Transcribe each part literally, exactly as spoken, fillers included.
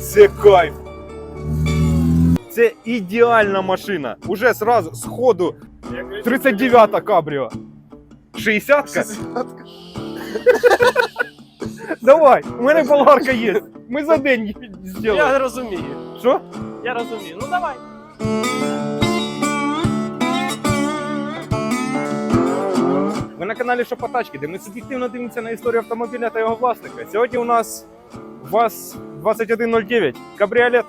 Це кайф. Це ідеальна машина. Уже сразу, з ходу, тридцять дев'ята кабріо. шістдесятка? Давай, у мене болгарка є. Ми за день зробимо. Я розумію. Що? Я розумію. Ну давай. Ви на каналі Шопотачки, де ми суб'єктивно дивимося на історію автомобіля та його власника. Сьогодні у нас ВАЗ двадцять один нуль дев'ять, кабріолет.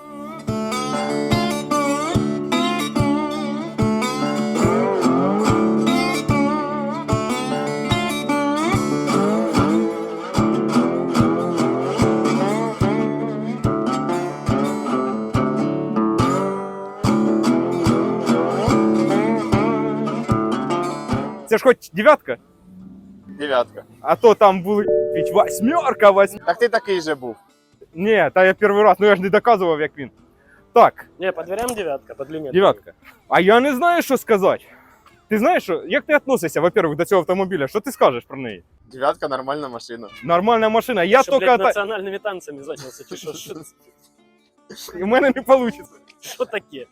Це ж хоч дев'ятка? Дев'ятка. А то там були восьмерка, восьмерка. Так ти такий же був. Ні, та я перший раз, ну я ж не доказував, як він. Так, Не, по дверям девятка, по длине. дев'ятка. А я не знаю, що сказати. Ти знаєш, що, як ти відносишся, во-первых, до цього автомобіля? Що ти скажеш про неї? Дев'ятка нормальна машина. Нормальна машина. Я Що, тільки... блядь, національними танцями зайнявся, чи що? Що, І в мене не вийде. що таке?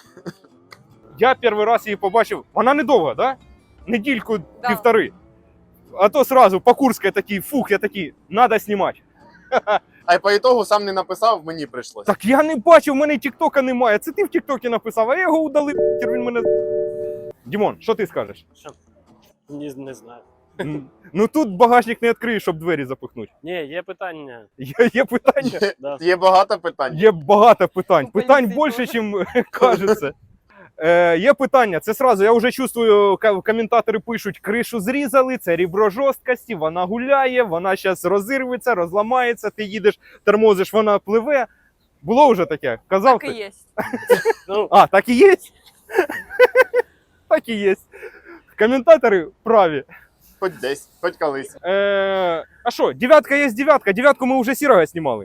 Я перший раз її побачив. Вона недовга, да? Недільку, Да. півтори. А то сразу по Курській такий, фух, я такий, надо знімати. А й по ітогу сам не написав, мені прийшлось. Так я не бачив, в мене тіктока немає. Це ти в тіктокі написав, а я його удалив, він мене... Дімон, що ти скажеш? Що? Не, не знаю. Ну тут багажник не відкриєш, щоб двері запихнути. Ні, є питання. Є, є питання? Є, Да. є багато питань. Є багато питань. У Питань поліції більше, ніж кажеться. Е, є питання, це сразу, я вже чувствую, ка- коментатори пишуть, кришу зрізали, це ребро жорсткості, вона гуляє, вона зараз розірветься, розламається, ти їдеш, тормозиш, вона пливе. Було вже таке? Казав Так і ти? є. Ну, А, так і є? Так і є. Коментатори праві. Хоч десь, хоч колись. Е, а що, дев'ятка є дев'ятка, дев'ятку ми вже сірого знімали.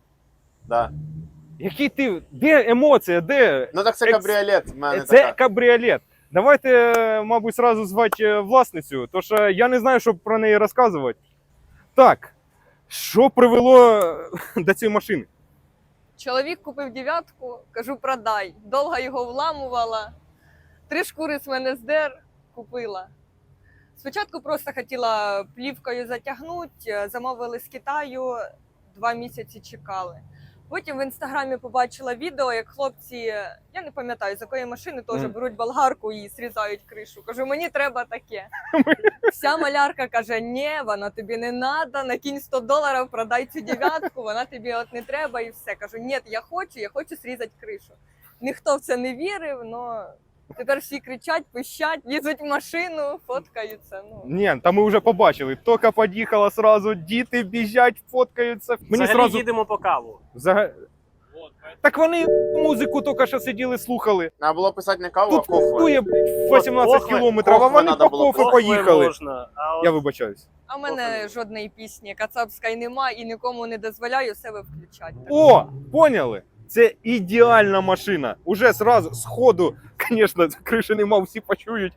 Да. Які ти, де емоція, де? Ну так це Екс- кабріолет в мене Це така. кабріолет. Давайте, мабуть, сразу звати власницю, тому що я не знаю, що про неї розказувати. Так, що привело до цієї машини? Чоловік купив дев'ятку, кажу, продай. Довго його вламувала. Три шкури з мене здер, купила. Спочатку просто хотіла плівкою затягнути, замовили з Китаю, два місяці чекали. Потім в інстаграмі побачила відео, як хлопці, я не пам'ятаю, з якої машини теж Мгм. беруть болгарку і зрізають кришу. Кажу, мені треба таке. Вся малярка каже, ні, вона тобі не треба, накинь сто доларів, продай цю дев'ятку, вона тобі от не треба і все. Кажу, ні, я хочу, я хочу зрізати кришу. Ніхто в це не вірив, але тепер всі кричать, пищать, лізуть в машину, фоткаються. Ну. Ні, та ми вже побачили. Тока під'їхала сразу, діти біжать, фоткаються. Мені взагалі сразу... їдемо по каву. Взага- Так вони музику тільки що сиділи, слухали. Треба було писати не каву, а Тут кофе. пустує вісімнадцять Кохве- кілометрів, а Кохве вони надо по було, кофе Кохве поїхали. можна, а от Я вибачаюсь. А в мене жодної пісні кацапської нема і нікому не дозволяю себе включати. О, поняли? Це ідеальна машина. Уже сразу, з ходу, звісно, криші нема, всі почують.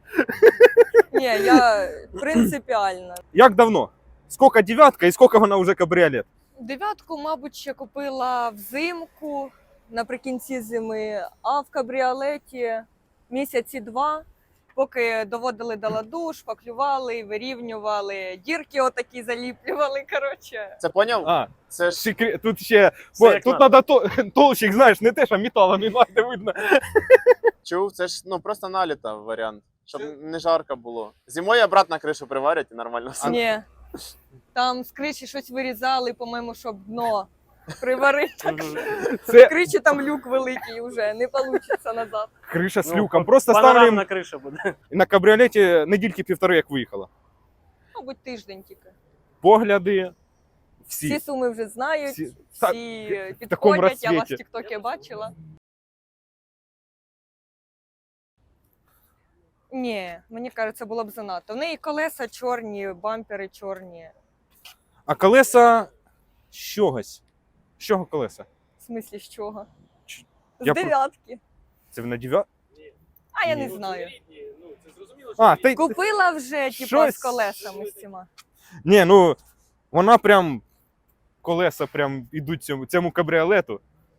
Ні, я принципіальна. Як давно? Скільки дев'ятка і скільки вона вже кабріолет? Дев'ятку, мабуть, ще купила взимку наприкінці зими, а в кабріолеті місяці два, поки доводили до ладу, шпаклювали, вирівнювали, дірки отакі заліплювали, коротше. Це поняв? А, Це ж секрет, тут ще, Все бо, як тут надо. треба то, толщик, знаєш, не те, що металу не надо, видно. чув, це ж ну просто наліта варіант. Щоб не жарко було. Зимою обратно кришу приварять і нормально все. Ні. Там з криші щось вирізали, по-моєму, щоб дно приварити. Так що Це з криші там люк великий вже, не вийде назад. криша з Ну, люком. Просто ставлю панорамна криша буде. на кабріолеті недільки півтори, як виїхала. Мабуть, тиждень тільки. Погляди, Всі всі. суми вже знають, Всі- всі в такому підходять, я вас в розцвіті. тіктокі бачила. Ні, мені кажеться, було б занадто. В неї колеса чорні, бампери чорні. А колеса з чогось. З чого колеса? В смислі, з чого? Ч- З я про- дев'ятки. Це на дев'ят? А я Ні. не знаю. А, ти... Купила вже, типа, Щось- з колесами з цими. Ні, ну, вона прям, колеса прям ідуть цьому, цьому кабріолету.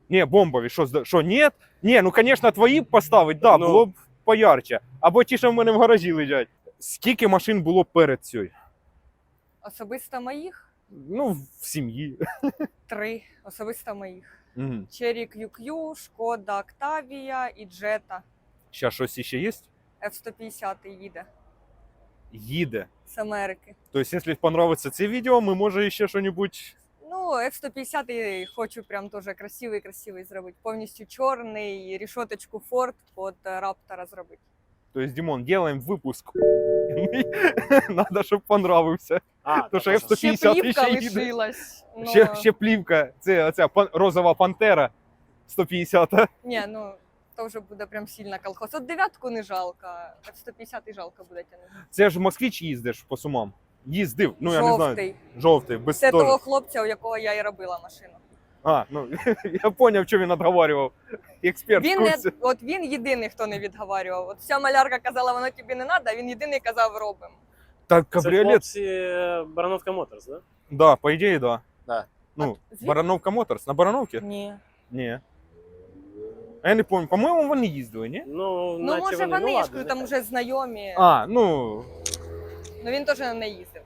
Ні, бомбові, що, зда- що, ні? Ні, ну, звісно, твої б поставить, да, Ну. було б поярче. Або ті, що в мене в гаражі лежать. Скільки машин було перед цією? Особисто моїх Ну, в сім'ї. три. Особисто моїх. Угу. Cherry кью кью, Шкода Октавія і Джета. Зараз щось ще є? еф сто п'ятдесят їде Їде. з Америки. Тобто, якщо подобається це відео, ми може ще щось. Ну, еф сто п'ятдесят і хочу прям теж красивий-красивий зробити. Повністю чорний, рішоточку Ford під Раптора зробити. Тобто, Дімон, робимо випуск. Надо, щоб понравився. А, То, що так, F сто Ще п'ятдесят плівка ще їде. лишилась. но- Ще, ще плівка. Це оця пан- розова пантера сто п'ятдесят. Ні, ну, то вже буде прям сильно колхоз. От дев'ятку не жалко, еф сто п'ятдесят і жалко буде тягнути. Це ж москвич їздиш по Сумам. Їздив, ну я не знаю. Жовтий. Жовтий, без Це теж. того хлопця, у якого я і робила машину. А, ну я зрозумів, що він відговорював. Експерт в Він не, курсі. от він єдиний, хто не відговарював. От вся малярка казала, воно тобі не треба, а він єдиний казав, робимо. Так, Це кабріолет, хлопці е, Барановка Моторс, да? да, по ідеї, да. Да. Ну, Звідки? Барановка Моторс. На Барановці? Ні. Ні. А я не пам'ятаю, по-моєму, вони їздили, ні? Ну, Ну, наче може, вони, вони, ну, я ж ладно, кажу, там нехай. вже знайомі. А, ну, Ну він теж не їздив.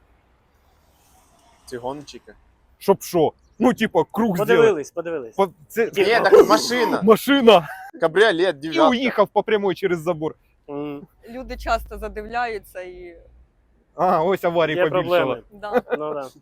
Ці гонщики. щоб що? Ну, типа, круг зробити. Подивились, подивились. По- Це Ні, Ні, так машина. машина. Кабріолет, І дев'ятка. уїхав по прямой через забор. М, Люди часто задивляються і. А, ось аварії Є побільшало. проблеми. Да. Ну, да.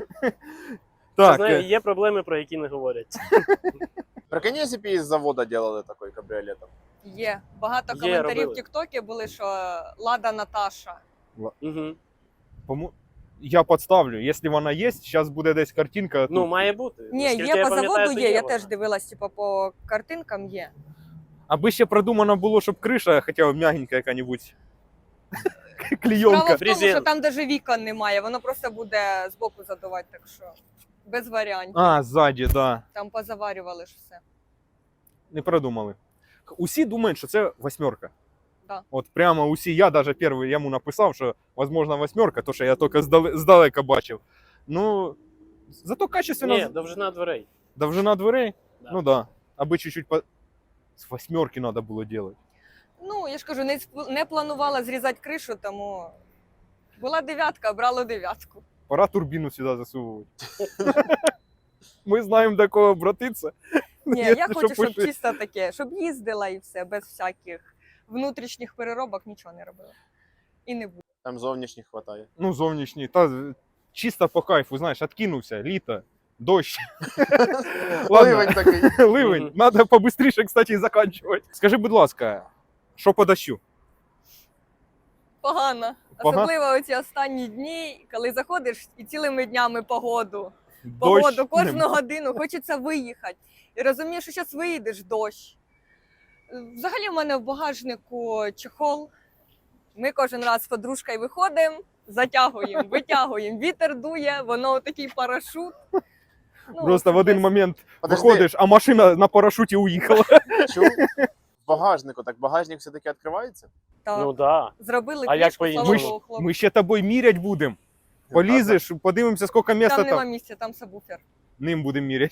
Так, Знаю, е, є проблеми, про які не говорять. Прикинь, якщо б із завода делали такий кабріолет. Є. Багато Є, коментарів робили. в Тіктокі були, що Лада Наташа. Угу. пому- я підставлю, якщо вона є, зараз буде десь картинка. Ну, тут. має бути. Ні, Наскільки є я по пам'ятаю, заводу, то є. Я вона. теж дивилась, типу, по картинкам є. Аби ще продумано було, щоб криша, хоча б м'ягенька яка-небудь. Справа Клейонка. в тому, Брезент. що там навіть вікон немає, воно просто буде збоку задувати, так що без варіантів. А, ззаді, да. Там позаварювали ж все. Не продумали. Усі думають, що це восьмерка. Да. От прямо усі, я навіть перший йому написав, що можливо восьмерка, то що я тільки здале- здалека бачив. Ну, зато качественно. Ні, довжина дверей. Довжина дверей? Да. Ну да. Аби чуть-чуть по... З восьмерки треба було робити. Ну, я ж кажу, не, сп- не планувала зрізати кришу, тому була дев'ятка, брала дев'ятку. Пора турбіну сюди засовувати. Ми знаємо, до кого обратитися. Ні, я Якщо хочу, щоб пиши. чисто таке, щоб їздила і все, без всяких внутрішніх переробок нічого не робила. І не буде. Там зовнішніх хватає. Ну, зовнішній. Та з- чисто по кайфу, знаєш, откинувся, літо, дощ. Ладно. Ливень такий. Ливень. Мгм. Надо побыстріше, кстати, заканчувати. Скажи, будь ласка, що по дощу? Погано. Погано? Особливо оці останні дні, коли заходиш і цілими днями погоду. Дощ Погоду, кожну нема. годину хочеться виїхати. І розумієш, що зараз виїдеш дощ. Взагалі в мене в багажнику чехол. Ми кожен раз з подружкою виходимо, затягуємо, витягуємо. Вітер дує, воно такий парашут. Ну, Просто в один десь- момент Подожди, виходиш, а машина на парашуті уїхала. чув? В багажнику, так багажник все-таки відкривається? Так. Ну, да. Зробили А як книжку, по-іншому? слава Ми, ж- Богу, хлопці. ми ще тобою мірять будемо. Полізеш, подивимося, скільки місця Там там. нема місця, там сабвуфер. Ним будемо міряти.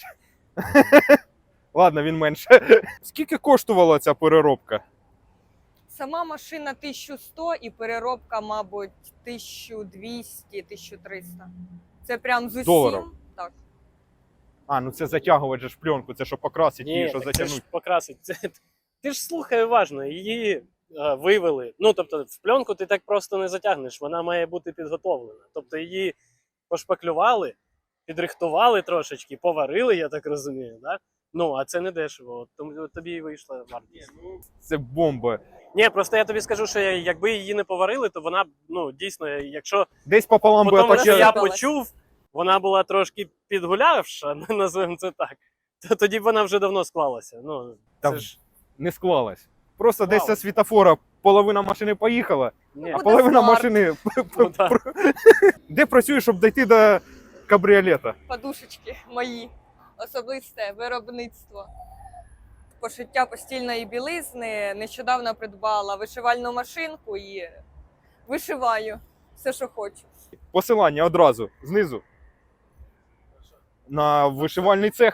Ладно, він менше. Скільки коштувала ця переробка? Сама машина тисяча сто і переробка, мабуть, тисяча двісті - тисяча триста. Це прям з усім. Доларів? Так. А, ну це затягувати же ж пленку, це що покрасити її, Ні, що так це ж затягнути. покрасить. Це, ти ж слухай уважно, її е, вивели. Ну, тобто, в пленку ти так просто не затягнеш, вона має бути підготовлена. Тобто її пошпаклювали, підрихтували трошечки, поварили, я так розумію, да? Ну, а це не дешево, от тому тобі і вийшла вартість. Це бомба. Ні, просто я тобі скажу, що якби її не поварили, то вона, ну, дійсно, якщо Десь пополам би по тому, що я оточили. почув, вона була трошки підгулявша, називаємо це так, то тоді б вона вже давно склалася. Ну, Та це ж... Не склалась. Просто десь Склалась. зі світофора половина машини поїхала, Ні, а Буде половина смарт. машини. Ну, так. Де працюєш, щоб дійти до кабріолета? Подушечки мої. Особисте виробництво. Пошиття постільної білизни. Нещодавно придбала вишивальну машинку і вишиваю все, що хочу. Посилання одразу знизу. На вишивальний цех.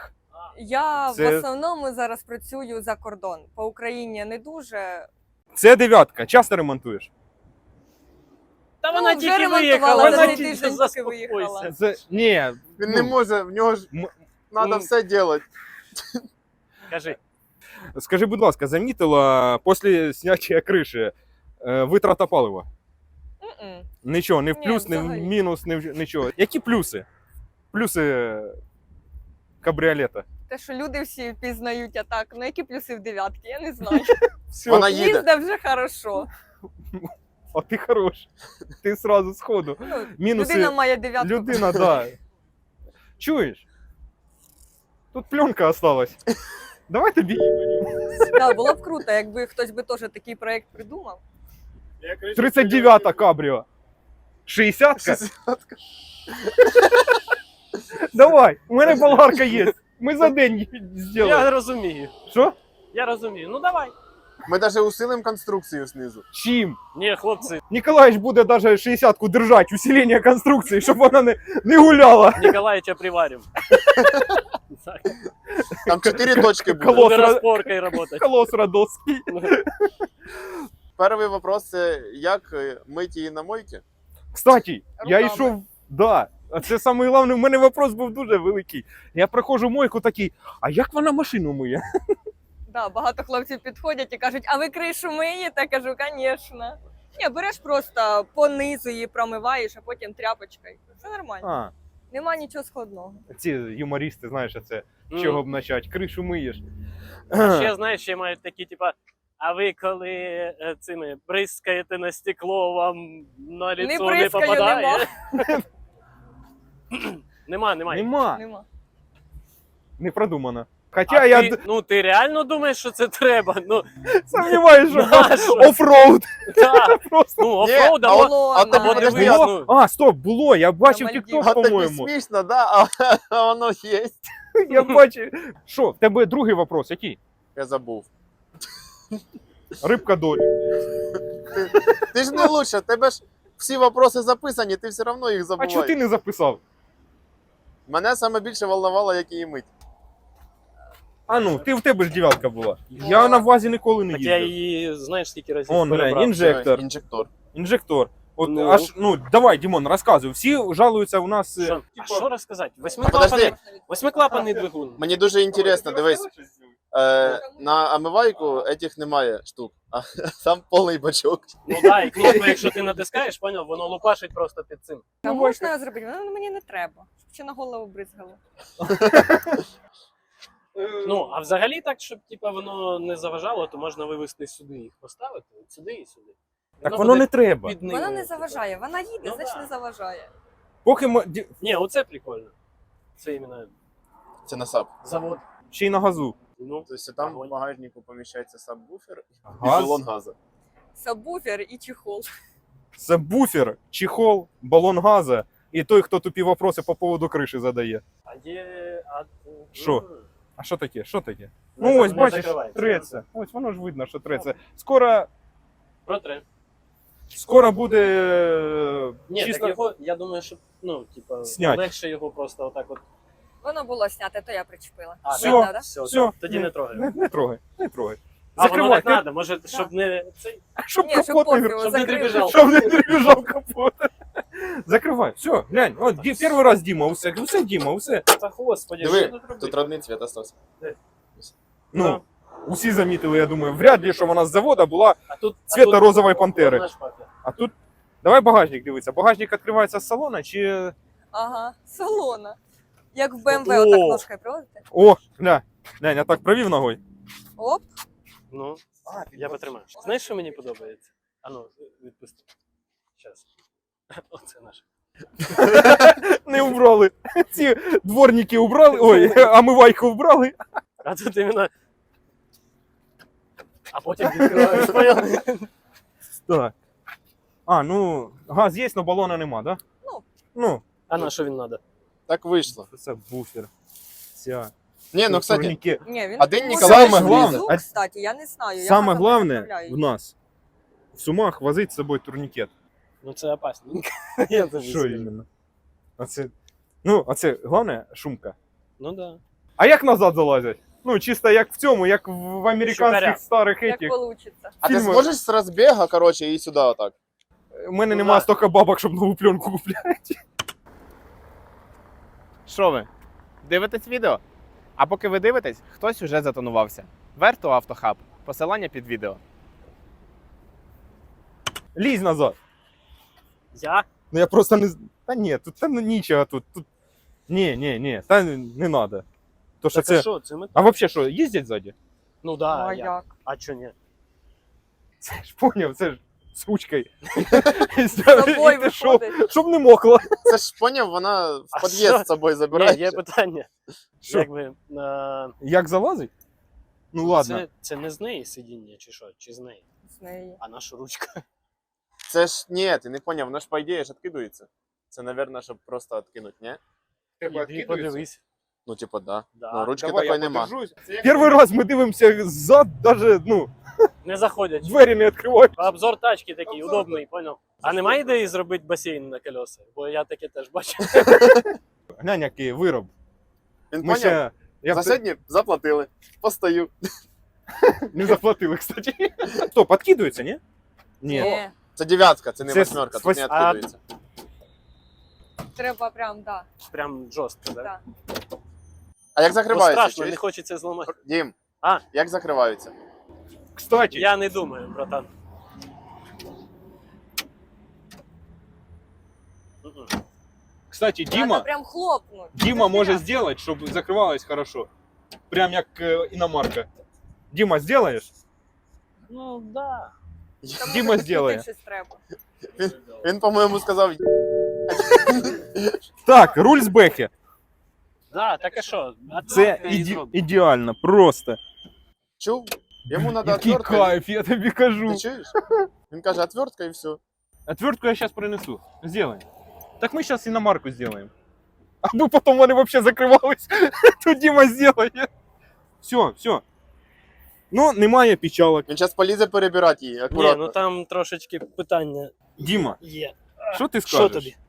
Я Це- в основному зараз працюю за кордон. По Україні не дуже. Це дев'ятка. Часто ремонтуєш? Та Ну, вона вже тільки ремонтувала, виїхала, за вона цей тільки тиждень тільки заспокойся. виїхала. Це... Ні. Він ну, не може, в нього ж м- треба ну. все робити. Кажи. Скажи, будь ласка, замітила після зняття криші е, витрата палива? М-м. Нічого, не в Ні, плюс, не в взагалі. мінус, не в нічого. Які плюси? Плюси кабріолета. Те, що люди всі пізнають, а так, ну які плюси в дев'ятки, я не знаю. Все, Вона їде. Їзде вже хорошо. а ти хорош. Ти сразу сходу. Ну, Мінуси. людина має дев'ятку. Людина, да. Чуєш? Тут пленка осталась. Давай тобі. Да, було б круто, якби хтось би теж такий проект придумав. тридцять дев'ята кабріо. шістдесятка? Давай, у мене болгарка є. Ми за день зробимо. Я розумію. Що? Я розумію. Ну давай. Ми навіть усилимо конструкцію знизу. Чим? Ні, хлопці, Ніколаєвич буде навіть шістдесятку держати, усилення конструкції, щоб вона не, не гуляла. Ніколаїча приварим. Так. Там чотири точки буде. Колос. Буде розпоркою працювати. Колос Радовський. Перший вопрос це як е, мить її на мойці? Кстати, я Руками. йшов, да. А це саме головне, в мене вопрос був дуже великий. Я проходжу мойку такий, а як вона машину миє? Да, багато хлопців підходять і кажуть, а ви кришу миєте? Кажу, звісно. Ні, береш просто по низу її промиваєш, а потім тряпочкою. Все нормально. А, Нема нічого складного. ці юмористи, знаєш, це з М. чого б почати? Кришу миєш. А ще, знаєш, ще мають такі, типа, а ви коли е, цими бризкаєте на стекло, вам на Не ліцо не, бризкаю, попадає? Нема, немає. Нема, Нема. не продумано. Хоча А я ти, д- ну ти реально думаєш, що це треба? Ну, сумніваюся, що Нащо? офроуд. так. Просто. Ну, Ні, офроуд, а або, Було а на- тобі або подожди, дивись, а- ну, А, стоп, було, я бачив На тікток, Мальдівах. А тобі по-моєму. смішно, да? А, а воно є. Я бачив. Що, в тебе другий вопрос, який? Я забув. Рибка долі. Ти ж не лучше, в тебе ж всі вопроси записані, ти все одно їх А забуваєш. чого ти не записав? Мене саме більше волновало, як її мить. А ну, ти в тебе ж дев'ятка була. Я на вазі ніколи не так я їздив. її, знаєш, скільки разів Он, перебрав. глянь, інжектор. Інжектор. Інжектор. От Ну. аж, ну, давай, Дімон, розказуй. Всі жалуються у нас. е, Що, а що розказати? А Восьмиклапаний, подожди. восьмиклапаний двигун. Мені дуже інтересно, дивись. Е, на омивайку етих немає штук, а там повний бачок. Ну да, і кнопку, якщо ти натискаєш, поняв, воно лупашить просто під цим. А Ну, можна його зробити? Воно мені не треба. Щоб ще на голову бризгало. Ну, а взагалі так, щоб типа воно не заважало, то можна вивести сюди їх поставити, от сюди і сюди. Так воно не буде треба. під ним, Вона не типа. заважає. Вона їде, Ну, значить да. не заважає. Поки ми ді- Ні, оце прикольно. Це іменно Це на саб. завод. ще й на газу. Ну, Тобто там Огонь. в багажнику поміщається сабвуфер і Газ, балон газу. Сабвуфер і чехол. сабвуфер, чехол, балон газа і той, хто тупі вопроси по поводу криші задає. а є. А... Що? М. А що таке? Що таке? Не Ну за- ось, не бачиш, закривається. треться. Ось воно ж видно, що треться. Скоро, Протре. скоро буде е, Ні, чисто... так його, я думаю, що, ну, типа, Снять. легше його просто отак от. Воно було зняте, то я причепила. А, Всьо. Видно, да? Все, Все, тоді не трогай. Не, не трогай, не трогай. А воно Закривай, так ти- треба, може, щоб не цей. щоб Ні, щоб капот не пофігу, щоб не закрили. дребіжав. Щоб не перебіжав капот. Закривай, все, глянь, от ді- перший раз Діма, усе, усе Діма, усе. Та господи, Диви, що тут робити? Тут родний цвіт остався. Ну, усі замітили, я думаю, вряд ли, що вона з завода була, А тут цвета а тут розової пантери. одна шпака. а тут, давай багажник дивитися. Багажник відкривається з салона чи... Ага, салона. Як в БМВ, О! отак ножкою проводите. О, гля, глянь, я так провів ногою. Оп. Ну, я потримаю. Знаєш, що мені подобається? А ну, відпусти. Щас. Оце наше. Не убрали. Ці дворники убрали, ой, омивайку вбрали. А тут іменно. А потім відкриваєш. поняв? Так. А, ну, газ є, але балона нема, да? Ну. Ну, А на що він треба? Так вийшло. це буфер. Ця. Ні, ну, кстати, турніки. Ні, він Один може Ніколаєвич бути Саме внизу, головне- кстати, я не знаю. я Саме газом не головне управляю. в нас в Сумах возить з собою турнікет. Ну це опасно. Я тобі Що скажу. іменно? А це, ну, а це головне шумка. Ну да. А як назад залазять? Ну, чисто як в цьому, як в американських Шукаря. старих Як етіх. получиться. А ти Фільми. зможеш з розбіга, коротше, і сюди отак? У мене Ну, немає да. стільки бабок, щоб нову пленку купляти. Що ви? Дивитесь відео? А поки ви дивитесь, хтось уже затонувався. Верту Автохаб. Посилання під відео. Лізь назад. Я? Ну я просто не... з- Та ні, тут та, ну, нічого тут. тут... Ні, ні, ні, та не треба. То що Так а це... що, це ми... А взагалі що, їздять ззаді? Ну да, Ну, а я. як? А чо ні? Це ж поняв, це ж з ручкою. З собою І ти що? виходить. Щоб не мокло. Це ж поняв, вона в А під'їзд що? з собою Ні, забирає. є питання. Що? Якби, е, Як залазить? Ну ладно. це, це не з неї сидіння, чи що? Чи з неї? З неї. А наша ручка. Це ж ні, ти не поняв, воно ж по ідеї ж відкидується. Це, мабуть, щоб просто відкинути, ні? Іди подивись. Ну, типу, да. Да. Ну, ручки Давай, такої я нема. подержусь. Перший раз ми дивимося ззад, даже, ну, Не заходять. двері не відкривають. Обзор тачки такий Обзор, удобний, понял? А немає ідеї зробити басейн на колеса? Бо я таке теж бачив. Глянь, який вироб. Він Ми поняв? ще... Я За б- сьогодні заплатили. Постою. не заплатили, кстати. Стоп, відкидується, ні? Ні. Ні. Це дев'ятка, це не Це восьмерка, тут не спас- а- відкидується. Треба прям, да. Прям жорстко, да? Да. А як Бо закриваються? страшно, не чуєш? хочеться зламати. Дім, А? як закриваються? Кстати, Я не думаю, братан. Мгм. кстати, Треба Діма, прям хлопнуть. Діма Це може я. зробити, щоб закривалось хорошо. Прям як е, іномарка. Діма, зробиш? Ну, да. Там Діма може зробить. підкрутити щось треба. Він, по-моєму, сказав, Так, руль з бехи. Да, так а що? А Це так і іде- зробимо. ідеально, просто. чув? Йому треба Який отвертка. кайф, я тобі кажу. Ти чуєш? Він каже, отвертка і все. Отвертку я сейчас принесу. Сделаем. Так мы сейчас иномарку сделаем. Аби потом вони вообще закривались, то Діма сделає. Все, все. Ну, немає печалок. Він зараз полізе перебирати її, Ні, акуратно. ну там трошечки питання Діма, є. що ти Що скажеш? тобі?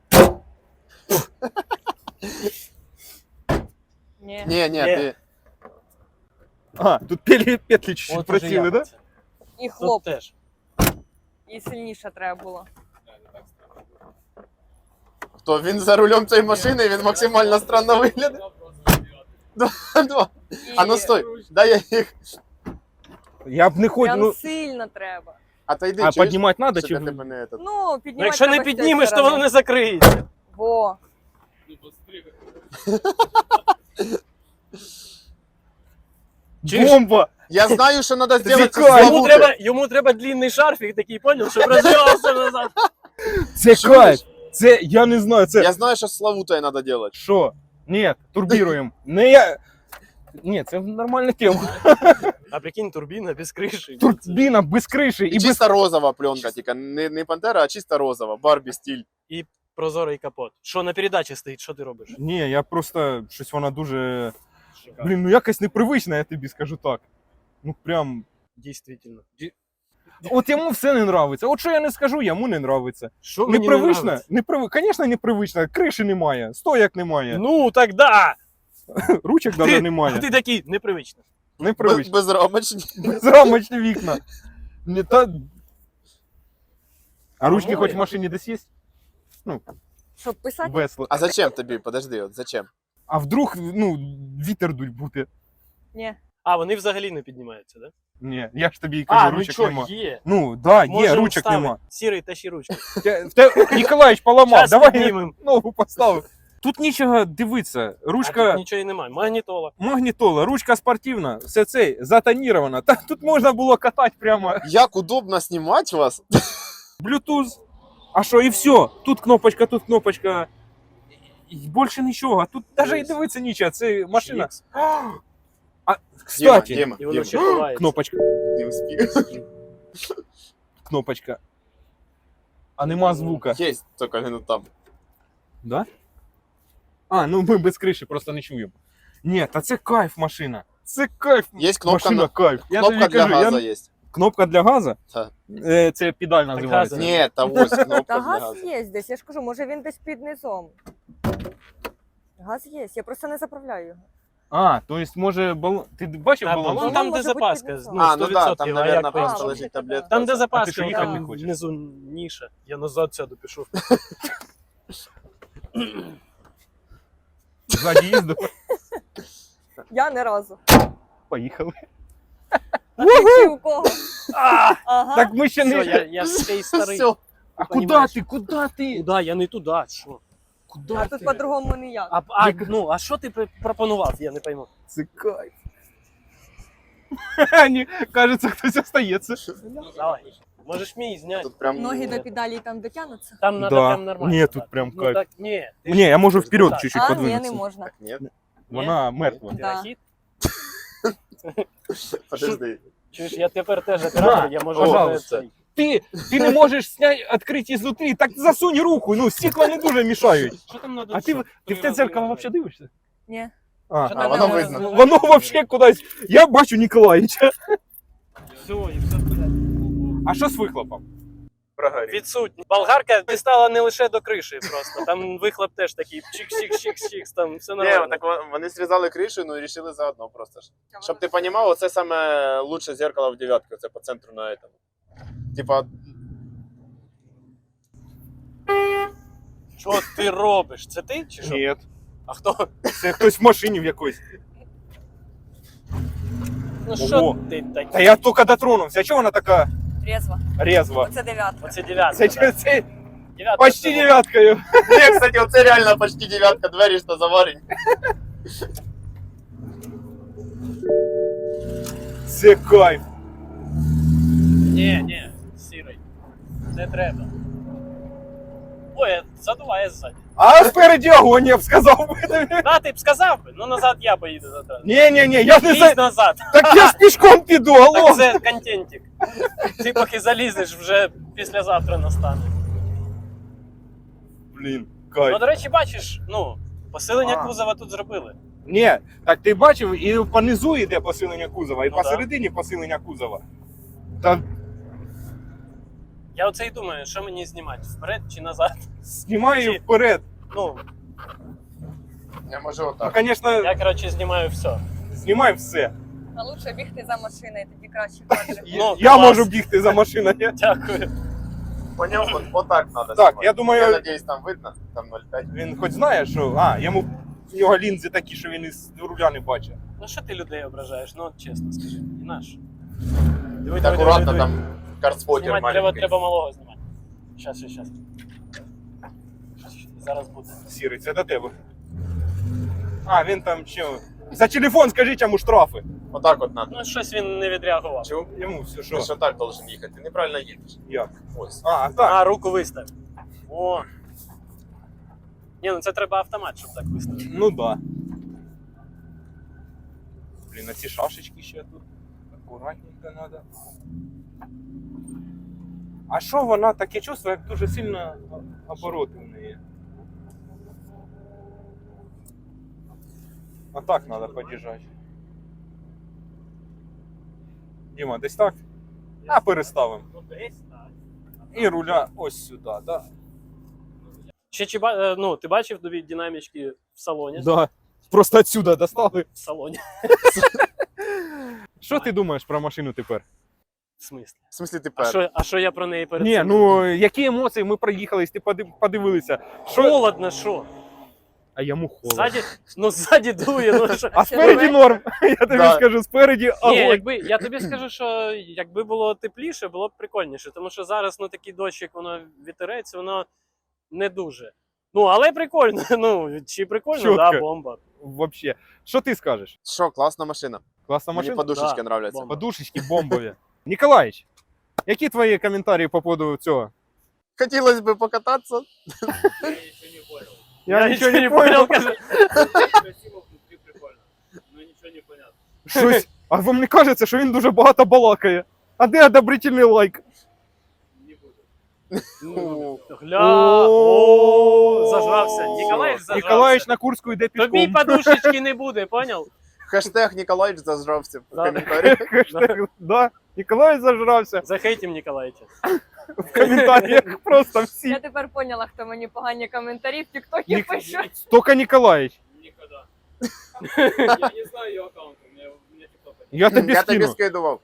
Ні. Ні, ні, Ні. ти... А, тут петлі, петлі чуть-чуть От уже просіли, я да? це. І Тут хлоп. теж. І сильніше треба було. Хто? Він за рулем цієї машини, він максимально странно виглядає. Два, два. І А ну стой, дай я їх. Я б не хотів, Прям ну, сильно треба. А то йди, а чуєш? піднімати треба Щоб чи... я тебе не этот. Ну, піднімати Ну, якщо не треба з цієї піднімеш, то сторони. воно не закриється. Во. Чуєш? Бомба! Я знаю, що треба зробити з Вікай! Йому Славути. треба, йому треба длинний шарфік такий, поняв, щоб розвивався назад. Це Чуєш? кайф! Це, я не знаю, це... Я знаю, що з Славутою треба робити. Що? Ні, турбіруємо. Не я... Ні, це нормальна тема. А прикинь, турбіна без криші. Турбіна без криші І і без... чисто розова пленка, тільки не, не пантера, а чисто розова, Барбі стиль. Прозорий капот. Що на передачі стоїть, що ти робиш? Ні, я просто щось вона дуже... Блін, ну якось непривична, я тобі скажу так. Ну прям... Дійсно. От йому все не нравиться. От що я не скажу, йому не нравиться. Що мені не Непривично, нравиться? неприв... Звісно, непривично. Криші немає, стояк немає, Ну, так да! ручок Ти- навіть А немає. ти такий, непривично. Без, Непривично. безрамочні. Безрамочні вікна. Не та... А ручки По-моєму. хоч в машині десь є? Щоб писати? Весело. А зачем тобі? Подожди, от зачем? А вдруг, ну, вітер дуть буде? Ні. А, вони взагалі не піднімаються, да? Ні, я ж тобі і кажу, А, ну ручок що, нема. є. Ну, да, є, Можемо ручок вставити. нема. Сірий, тащи ручку. Те- те- Ніколаїч поламав, Зараз давай піднімемо. ногу поставив. Тут нічого дивитися. А Ручка тут нічого і немає. Магнітола. магнітола, ручка спортивна, все це затонірована. Та тут можна було катати прямо Як удобно знімати вас? Bluetooth. А що, і все. Тут кнопочка, тут кнопочка. І більше нічого. Тут навіть і дивитися нічого. Це машина. Швікс. А, кстати, Діма, І воно Діма, ще ховається. кнопочка, не успів. кнопочка. А нема звука. Є, тільки не там. Да? А, ну ми без криші просто не чуємо. Ні, та це кайф машина. Це кайф. Є кнопка, Машина на... кайф. Я кнопка тобі для кажу, газу я... є. Кнопка для газу? Так. Е, Це педаль називається. газу. Ні, та ось кнопка Та для газ газу. є десь, я ж кажу, може він десь під низом. Газ є, я просто не заправляю його. А, то есть може балон. Ти бачив Та, балон? балон там, де може бути запаска. під Ну, А, ну да, сто там, відсотків, а наверное, як просто по-іншому? лежить таблетка. Там, де що запаска, їхати не там хочеш? внизу ніша. Я назад сяду, пішов. Ззаді їздив. Я не разу. Поїхали. А ти чи у кого? Ага. Так ми ще Все, не. я, я ж цей старий. Все. А понімаєш. куди ти? Куди ти? Куда? Я не туди, що? Куди А тут по-другому ніяк. А, а, ну, а що ти пр- пропонував, я не пойму. Це кайф. Ні, кажеться, хтось остається. Давай. Можеш мій зняти. Тут прям... Ноги до педалей там дотягнуться? Там Да. треба прям нормально. Ні, тут так. прям Ну кайф. так, ні. ти Ні, я можу ж- вперед так. чуть-чуть А, ні, не подвинутися. можна. Так, нет? Вона мертва. Ти Да. рахіт? Подожди. Чуєш, я тепер теж оператор, я можу пожалуйста. цей. Ти, ти не можеш зняти, відкрити ізнутрі, так засунь руку, ну стекла не дуже мішають. Що там надо? А ти, ти в те дзеркало взагалі дивишся? Ні. А, Що А, там воно надо? видно. воно взагалі кудись. Я бачу Ніколаїча. Все, і все в порядку. А що з вихлопом? Прогорів. Відсутні. Болгарка дістала не лише до криші просто. Там вихлоп теж такий чик-чик-чик-чик, там все Ні, нормально. так вон- вони зрізали кришу, ну і рішили заодно просто ж. Щоб ти розумів, оце саме лучше зеркало в дев'ятці, оце по центру на этому. Типа, Що ти робиш? Це ти чи що? Ні, А хто? це хтось в машині в якоїсь. Ну що Ого. ти такий? Та я тільки дотронувся. А чого вона така Резво. резва? Оце дев'ятка. Оце дев'ятка. Це, да. це, це Дев'ятка почти це- дев'яткою. ні, кстати, оце реально почти дев'ятка, двері що заварені. Це кайф. Ні, ні, сірий. Не треба. Ой, задуває ззаді. А спереді огонь, я б сказав би тобі. Да, ти б сказав би, ну назад я поїду завтра. Ні, ні, ні, я не Лізь за... назад. Так я ж пішком піду, Так алло. це контентик. Ти поки залізеш, вже післязавтра настане. Блін, Ну, кайф. до речі, бачиш, ну, посилення А. кузова тут зробили. Ні, так ти бачив, і понизу йде посилення кузова, і Ну, да. посередині посилення кузова. Та Я оце й думаю, що мені знімати, вперед чи назад. знімаю Чи- вперед. Ну, Я можу Ну, отак. звісно, я, коротше, знімаю все. знімай все. А лучше бігти за машиною, тоді краще кадри. Ну, Я клас. можу бігти за машиною. Дякую. Поняв? От, отак треба Так, знімати. я думаю- Я надіюсь, там видно, там нуль п'ять. Він хоч знає, що. А, йому в нього лінзи такі, що він із руля не бачить. Ну що ти людей ображаєш? Ну, от чесно скажи. І наш. Диви, Так, акуратно, там карспотер Знімати треба, маленький. треба малого знімати. Щас, щас, щас. Зараз буде. Сірий, це до тебе. А, він там ще. За телефон скажіть йому штрафи. Отак от надо. Ну, щось він не відреагував. Чув? Йому все Ти що. що так должен їхати, ти неправильно їдеш. Як? Ось. А, так. А, руку вистав. О. Ні, ну це треба автомат, щоб так виставити. Ну да. Блін, а ці шашечки ще тут. Акуратненько треба. А що вона таке чувство, як дуже сильно обороти в неї? А так треба під'їжджати. Діма, десь так? А переставимо. Ну, десь так. І руля ось сюди, так? Да? Ще чи ба- е, ну, ти бачив нові динамічки в салоні? Да. Просто отсюда достали. В салоні. Що ти думаєш про машину тепер? В смислі? В смислі А тепер? що, а що я про неї перед Ні, цим ну думав? які емоції, ми проїхались, ти подив- подивилися. Що? Холодно, що? А йому холодно. Ззаді, ну ззаді дує, ну що? А спереді норм. Я тобі Да. скажу, спереді Ні, огонь. якби, я тобі скажу, що якби було тепліше, було б прикольніше, тому що зараз ну, такий дощик, воно вітерець, воно не дуже. Ну, але прикольно. Ну, чи прикольно, Чітко. да, бомба. Вообще. Що ти скажеш? Що, класна машина. Класна Мені машина? подушечки Да, нравляться. бомба. Подушечки бомбові. Ніколаїч, які твої коментарі по поводу цього? Хотілося б покататися. Я, нічого не понял, каже. Щось. А вам не кажеться, що він дуже багато балакає? А де одобрительний лайк? Ну, Гля, о, зажрався. Ніколаїч зажрався. Ніколаїч на Курську йде Тобі пішком. подушечки не буде, понял? Хештег Ніколаїч зажрався в Да. коментарі. Хештег, да. Ніколаїч зажрався. Захейтім Ніколаїча. В коментарях просто всі. Я тепер поняла, хто мені погані коментарі в тіктокі Нік... пише. Тільки Ніколаїч. Я не знаю ее аккаунт, у меня, у меня TikTok. Я тобі Я тобі скину. скидував.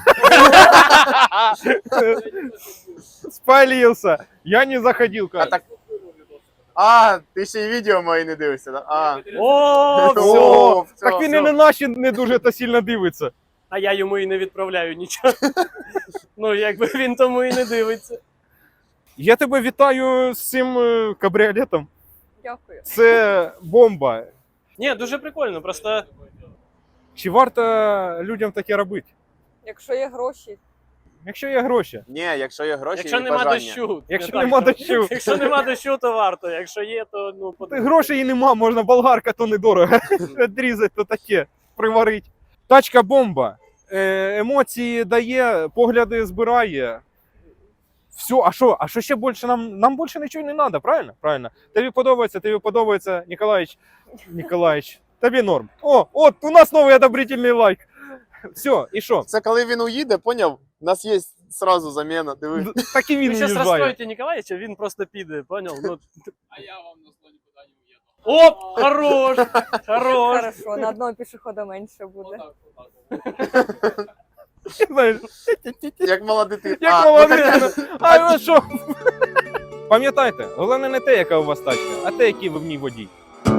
Спалился. Я не заходил, А, каже. так... а, ти ще й відео мої не дивишся, да? А, О, все! О, все, Так він і все. на наші не дуже та сильно дивиться. А я йому і не відправляю нічого. Ну, якби він тому і не дивиться. Я тебе вітаю з цим е, кабріолетом. Дякую. Це бомба. Ні, дуже прикольно, просто Чи варто людям таке робити? Якщо є гроші, Якщо є гроші. Ні, якщо є гроші якщо і нема бажання. дощу. Якщо не так, нема то- дощу. Якщо нема дощу, то варто. Якщо є, то ну подумай. Грошей і нема, можна болгарка, то недорого. Відрізати, то таке, приварить. Тачка бомба. Е, емоції дає, погляди збирає. Все, а що? А що ще більше нам? Нам більше нічого не треба, правильно? Правильно. Тобі подобається, тобі подобається, Ніколаїч. Ніколаїч, тобі норм. О, от у нас новий одобрительний лайк. Все, і що? Це коли він уїде, поняв? У нас є сразу заміна, диви. Д- Так і він Ви зараз уїжджає. розстроїте Ніколаєвича, він просто піде, поняв? Ну... А я вам на сто нікуди не уїду. Оп, хорош, хорош. хорошо, на одного пішохода менше буде. Знаєш, Як мала дитина. як А, мала ну, так- дитина. А ви що? Пам'ятайте, головне не те, яка у вас тачка, а те, який ви в ній водій.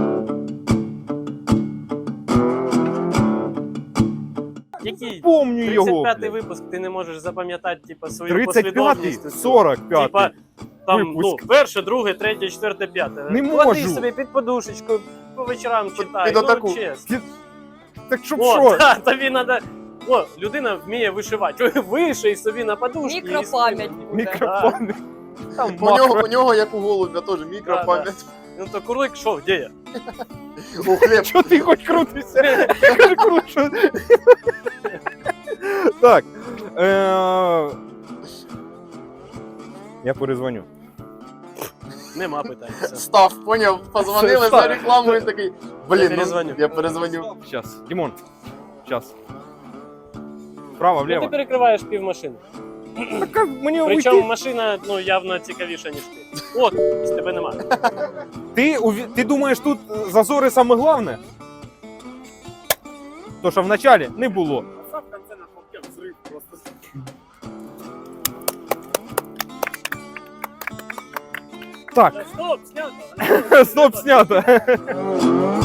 Який Помню його. тридцять п'ятий блядь. випуск ти не можеш запам'ятати, типа, свою тридцять п'ятий, послідовність. сорок Типа, п'ятий. там, ну, випуск. перше, друге, третє, четверте, п'яте. Не Клади можу. собі під подушечку, по вечорам читай. під ну, отаку. чесно. Так щоб О, що? та, тобі треба... О, людина вміє вишивати. Ой, виший собі на подушці. і Мікропам'ять спи. буде. Мікрофон. Там У нього, макро. у нього, як у голубя, теж мікропам'ять. Ну то курлик що, де я? У хліб. Чого ти хоч крутишся? Я кажу, кру- що? Так. Е... Я перезвоню. Нема питань. Все. Став, поняв, позвонили Став. за рекламу і такий, блін, Я ну, перезвоню. я перезвоню. Сейчас. Димон. Сейчас. Вправо, Ну, ти влево. перекриваєш пів машини. Так как мені Причому уйти? машина ну, явно цікавіша, ніж ти. От, з тебе нема. Ти, уві- ти думаєш, тут зазори саме головне? То, що в началі не було. Так, Стоп, снято. стоп, снято.